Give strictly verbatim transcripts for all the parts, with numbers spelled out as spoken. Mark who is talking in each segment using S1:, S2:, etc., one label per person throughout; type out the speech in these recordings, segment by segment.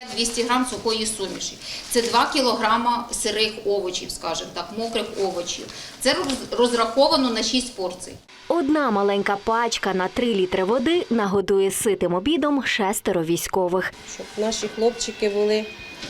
S1: двісті грам сухої суміші. Це два кілограма сирих овочів, скажімо так, мокрих овочів. Це розраховано на шість порцій.
S2: Одна маленька пачка на три літри води нагодує ситим обідом шестеро військових.
S3: Щоб наші хлопчики були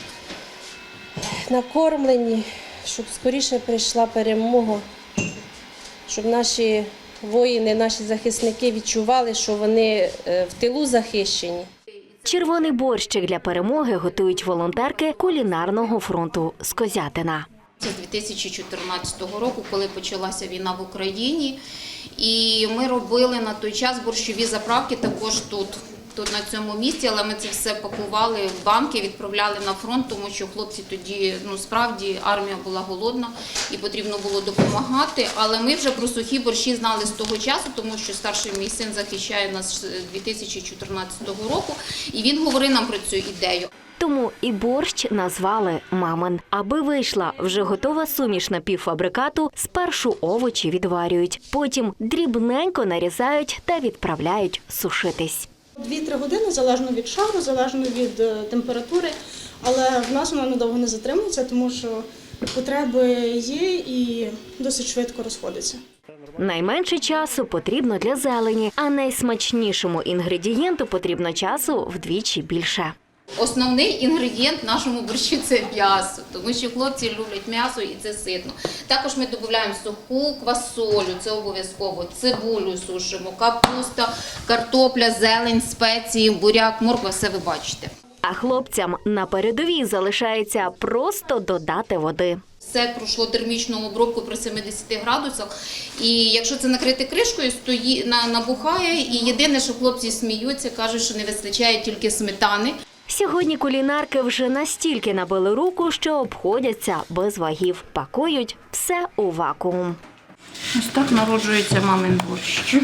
S3: накормлені, щоб скоріше прийшла перемога, щоб наші воїни, наші захисники відчували, що вони в тилу захищені.
S2: Червоний борщик для перемоги готують волонтерки кулінарного фронту «Скозятина».
S1: Це з дві тисячі чотирнадцятого року, коли почалася війна в Україні. І ми робили на той час борщові заправки також тут, тут на цьому місці, але ми це все пакували в банки, відправляли на фронт, тому що хлопці тоді, ну справді, армія була голодна і потрібно було допомагати. Але ми вже про сухі борщі знали з того часу, тому що старший мій син захищає нас з дві тисячі чотирнадцятого року, і він говорив нам про цю ідею.
S2: Тому і борщ назвали «Мамин». Аби вийшла вже готова суміш напівфабрикату, спершу овочі відварюють, потім дрібненько нарізають та відправляють сушитись.
S4: Дві-три години, залежно від шару, залежно від температури, але в нас воно надовго не затримується, тому що потреби є і досить швидко розходиться.
S2: Найменше часу потрібно для зелені, а найсмачнішому інгредієнту потрібно часу вдвічі більше.
S1: Основний інгредієнт нашому борщу – це м'ясо, тому що хлопці люблять м'ясо і це ситно. Також ми додаємо суху квасолю, це обов'язково, цибулю сушимо, капуста, картопля, зелень, спеції, буряк, морква – все ви бачите.
S2: А хлопцям на передовій залишається просто додати води.
S1: Все пройшло термічну обробку при семидесяти градусах, і якщо це накрити кришкою, стої, набухає, і єдине, що хлопці сміються, кажуть, що не вистачає тільки сметани.
S2: Сьогодні кулінарки вже настільки набили руку, що обходяться без вагів. Пакують все у вакуум.
S1: Ось так народжується мамин борщ.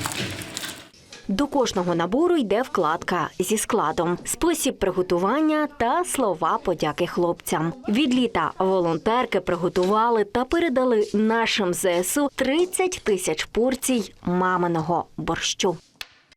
S2: До кожного набору йде вкладка зі складом, спосіб приготування та слова подяки хлопцям. Від літа волонтерки приготували та передали нашим зе ес у тридцять тисяч порцій маминого борщу.